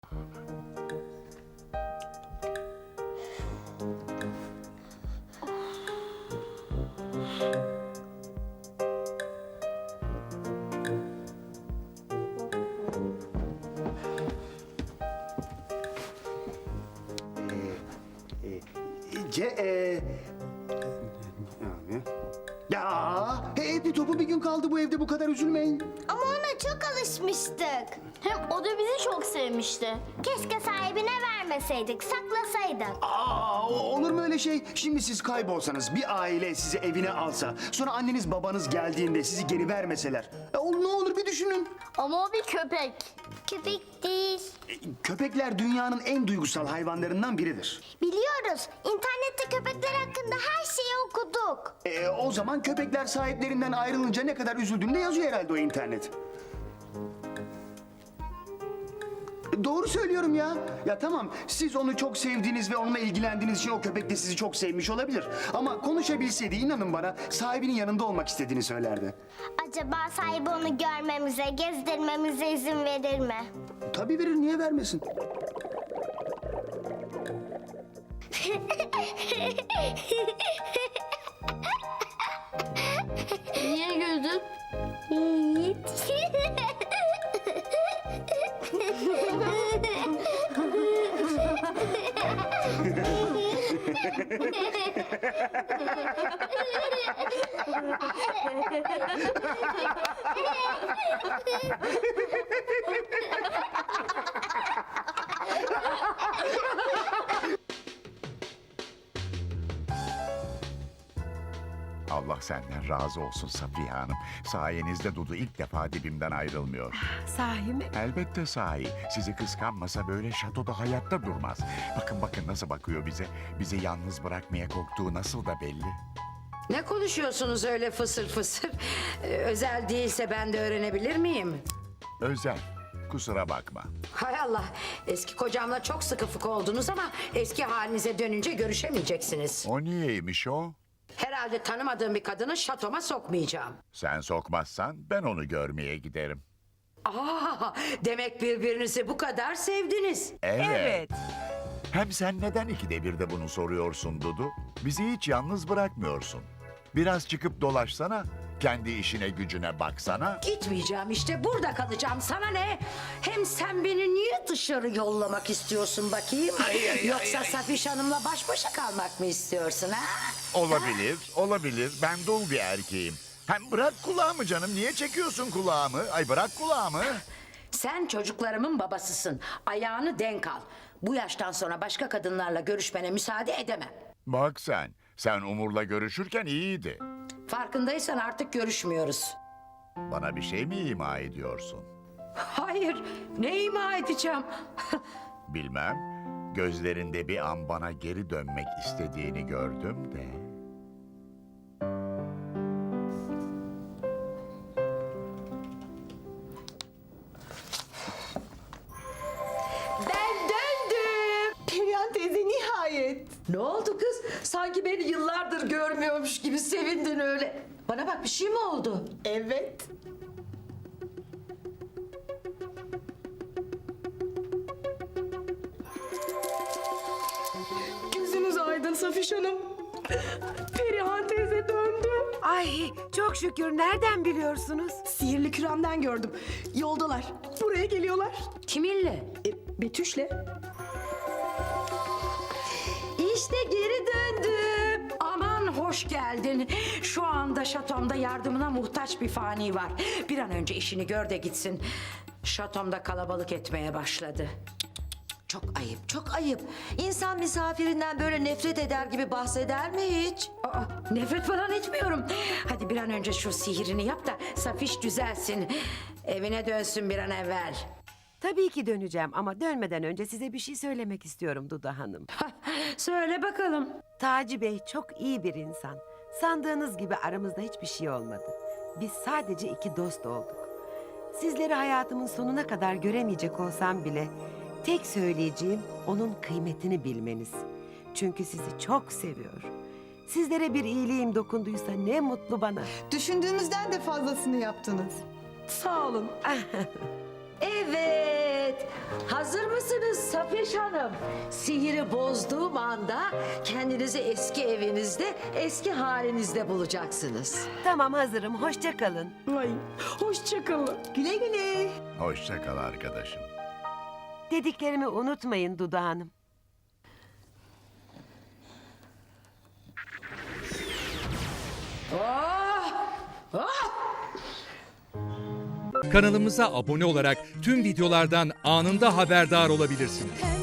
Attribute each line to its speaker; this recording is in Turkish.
Speaker 1: Bir topu bir gün kaldı bu evde, bu kadar üzülmeyin.
Speaker 2: Ama ona çok alışmıştık.
Speaker 3: Hem o da bizi çok sevmişti.
Speaker 2: Keşke sahibine vermeseydik, saklasaydık.
Speaker 1: Olur mu öyle şey? Şimdi siz kaybolsanız, bir aile sizi evine alsa, sonra anneniz babanız geldiğinde sizi geri vermeseler. Ne olur bir düşünün.
Speaker 3: Ama o bir köpek.
Speaker 2: Köpek değil.
Speaker 1: Köpekler dünyanın en duygusal hayvanlarından biridir.
Speaker 2: Biliyoruz. İnternette köpekler hakkında her şeyi okuduk.
Speaker 1: O zaman köpekler sahiplerinden ayrılınca ne kadar üzüldüğünü de yazıyor herhalde o internet. Doğru söylüyorum ya. Ya tamam, siz onu çok sevdiğiniz ve onunla ilgilendiğiniz için o köpek de sizi çok sevmiş olabilir. Ama konuşabilseydi, inanın bana, sahibinin yanında olmak istediğini söylerdi.
Speaker 2: Acaba sahibi onu görmemize, gezdirmemize izin verir mi?
Speaker 1: Tabii verir, niye vermesin?
Speaker 3: Niye güldün?
Speaker 2: Hiç.
Speaker 4: Allah senden razı olsun Safiye Hanım. Sayenizde Dudu ilk defa dibimden ayrılmıyor.
Speaker 5: Sahi mi?
Speaker 4: Elbette sahi. Sizi kıskanmasa böyle şatoda hayatta durmaz. Bakın bakın nasıl bakıyor bize. Bizi yalnız bırakmaya korktuğu nasıl da belli.
Speaker 5: Ne konuşuyorsunuz öyle fısır fısır? Özel değilse ben de öğrenebilir miyim?
Speaker 4: Özel. Kusura bakma.
Speaker 5: Hay Allah, eski kocamla çok sıkı fıkı oldunuz ama eski halinize dönünce görüşemeyeceksiniz.
Speaker 4: O niyeymiş o?
Speaker 5: Herhalde tanımadığım bir kadını şatoma sokmayacağım.
Speaker 4: Sen sokmazsan ben onu görmeye giderim.
Speaker 5: Demek birbirinizi bu kadar sevdiniz.
Speaker 4: Evet. Hem sen neden ikide bir de bunu soruyorsun Dudu? Bizi hiç yalnız bırakmıyorsun. Biraz çıkıp dolaşsana. Kendi işine gücüne baksana.
Speaker 5: Gitmeyeceğim işte, burada kalacağım. Sana ne? Hem sen beni niye dışarı yollamak istiyorsun bakayım? Yoksa Safiş Hanım'la baş başa kalmak mı istiyorsun ha?
Speaker 4: Olabilir, olabilir. Ben dul bir erkeğim. Hem bırak kulağımı canım. Niye çekiyorsun kulağımı? Ay bırak kulağımı.
Speaker 5: Sen çocuklarımın babasısın. Ayağını denk al. Bu yaştan sonra başka kadınlarla görüşmene müsaade edemem.
Speaker 4: Bak sen Umur'la görüşürken iyiydi.
Speaker 5: Farkındaysan artık görüşmüyoruz.
Speaker 4: Bana bir şey mi ima ediyorsun?
Speaker 5: Hayır, ne ima edeceğim?
Speaker 4: Bilmem. Gözlerinde bir an bana geri dönmek istediğini gördüm de.
Speaker 6: Ben döndüm. Perihan teyze nihayet. Ne oldu kız? Sanki beni yıllardır görmüyormuş gibi sevindin öyle.
Speaker 5: Bana bak, bir şey mi oldu?
Speaker 6: Evet. Gözünüz aydın Safiş Hanım. Perihan teyze döndü.
Speaker 7: Ay çok şükür, nereden biliyorsunuz?
Speaker 6: Sihirli küremden gördüm. Yoldalar. Buraya geliyorlar.
Speaker 5: Kiminle?
Speaker 6: Betüş'le.
Speaker 5: İşte geri döndüm. Aman hoş geldin. Şu anda şatomda yardımına muhtaç bir fani var. Bir an önce işini gör de gitsin. Şatomda kalabalık etmeye başladı.
Speaker 8: Çok ayıp, çok ayıp. İnsan misafirinden böyle nefret eder gibi bahseder mi hiç?
Speaker 5: Nefret falan etmiyorum. Hadi bir an önce şu sihirini yap da Safiş düzelsin. Evine dönsün bir an evvel.
Speaker 7: Tabii ki döneceğim ama dönmeden önce size bir şey söylemek istiyorum Duda Hanım.
Speaker 5: Söyle bakalım.
Speaker 7: Taci Bey çok iyi bir insan. Sandığınız gibi aramızda hiçbir şey olmadı. Biz sadece iki dost olduk. Sizleri hayatımın sonuna kadar göremeyecek olsam bile tek söyleyeceğim onun kıymetini bilmeniz. Çünkü sizi çok seviyor. Sizlere bir iyiliğim dokunduysa ne mutlu bana.
Speaker 6: Düşündüğümüzden de fazlasını yaptınız. Sağ olun.
Speaker 8: Evet,
Speaker 6: Hazır mısınız Safiye Hanım? Sihiri bozduğum anda kendinizi eski evinizde, eski halinizde bulacaksınız.
Speaker 7: Tamam, hazırım. Hoşça kalın.
Speaker 6: Ay, hoşça kalın. Güle güle.
Speaker 4: Hoşça kal arkadaşım.
Speaker 7: Dediklerimi unutmayın Dudu Hanım.
Speaker 9: Kanalımıza abone olarak tüm videolardan anında haberdar olabilirsiniz.